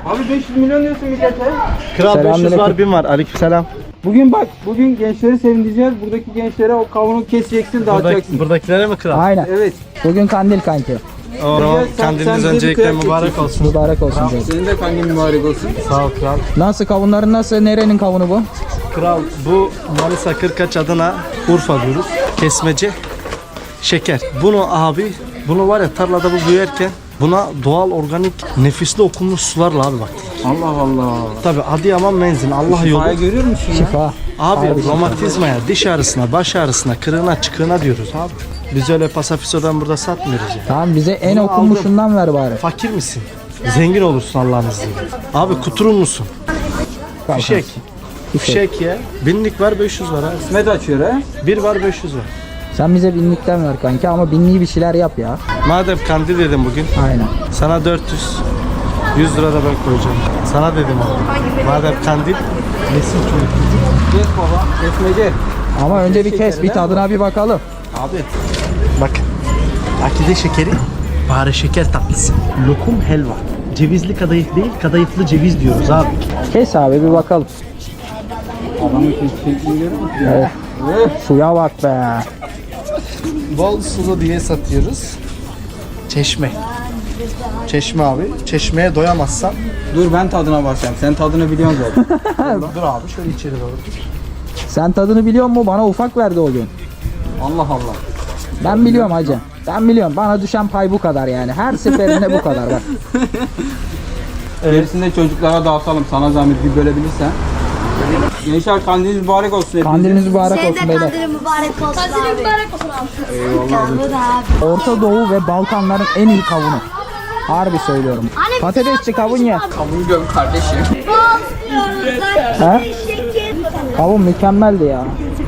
Abi 500 milyon diyorsun millete. Kral 500 Selamünaleyküm. var 1000 var. Aleykümselam. Bugün gençleri sevindireceğiz. Buradaki gençlere o kavunu keseceksin, dağıtacaksın. Buradakilere mi kral? Aynen. Evet. Bugün kandil kanki. O zaman Sen kandiliniz bize bir öncelikle kıyak mübarek olsun. Mübarek olsun canım. Senin de kandil mübarek olsun. Sağ ol kral. Nasıl kavunların nasıl? Nerenin kavunu bu? Kral bu Manisa Kırkaç adına Urfa diyoruz. Kesmece şeker. Bunu var ya tarlada bu büyürken buna doğal organik nefisli okunmuş sularla abi bak. Allah Allah. Tabi Adıyaman menzin Allah yolu. Şifayı görüyor musun ya? Şifa. Abi romatizmaya, diş ağrısına, baş ağrısına, kırığına, çıkığına diyoruz abi. Biz öyle pasafisodan burada satmıyoruz ya. Tamam bize en Bunu okunmuşundan ver bari. Fakir misin? Zengin olursun Allah'ın izniyle. Abi kuturun musun? Fişek. Fişek ya. Binlik var 500 var abi. İsmet açıyor ha. Bir var 500 var. Sen bize binlikten ver kanki ama binliği bir şeyler yap ya. Madem kandil dedim bugün. Aynen. Sana 400. 100 lira da ben koyacağım. Sana dedim abi. Madem kandil. Nesin çocuk? Kes baba. Kesmece. Ama önce bir kes, bir tadına bir bakalım. Abi. Bak. Akide şekeri. Bari şeker tatlısı. Lokum helva. Cevizli kadayıf değil, kadayıflı ceviz diyoruz abi. Kes abi bir bakalım. Adamın şeklini görüyor musun? Evet. Suya bak be. Bol sulu diye satıyoruz. Çeşme. Çeşme abi. Çeşmeye doyamazsan. Dur ben tadına bakacağım. Sen tadını biliyorsun zaten. Dur abi şöyle içeri doğru. Sen tadını biliyor musun? Bana ufak verdi o gün. Allah Allah. Ben biliyorum hacı. Ben biliyorum. Bana düşen pay bu kadar yani. Her seferinde bu kadar bak. Gerisinde çocuklara dağıtalım. Sana zahmet bir bölebilirsen. Gençler kandiliniz mübarek olsun hepinize. Kandiliniz mübarek Senin olsun de beyler. kandilin mübarek olsun abi. Kandilin mübarek olsun abi. Eyvallah abi. Orta Doğu ve Balkanların en iyi kavunu. Harbi söylüyorum. Patatesçi kavun ye. Kavunu göm kardeşim. He? Kavun mükemmeldi ya.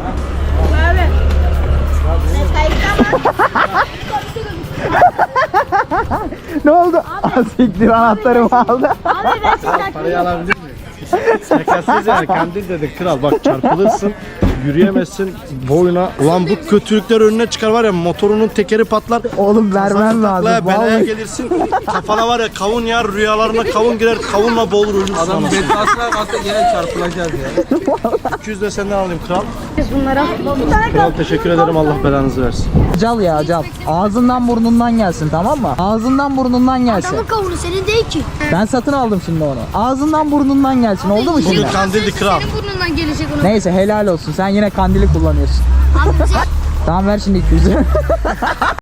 Ne oldu? Siktir anahtarımı aldı. Parayı alabilir miyim? Şakasız yani kandil dedik kral bak çarpılırsın. Yürüyemezsin boyuna. Ulan bu kötülükler önüne çıkar var ya motorunun tekeri patlar. Oğlum vermem lazım. Taklaya, belaya Vallahi. gelirsin. Kafana var ya kavun yer rüyalarına kavun girer kavunla boğulur ölürsün. Adam anasını. bedbahtlar kalsa gene çarpılacağız ya. 200 de senden alayım kral. Kral teşekkür ederim Allah belanızı versin. Cal ya cal. Ağzından burnundan gelsin tamam mı? Ağzından burnundan gelsin. Adamın kavunu senin değil ki. Ben satın aldım şimdi onu. Ağzından burnundan gelsin oldu mu şimdi? Bugün kandildi kral. Senin burnundan gelecek onu. Neyse helal olsun. Sen yine kandili kullanıyorsun. Abi bize Tamam ver şimdi 200'ü.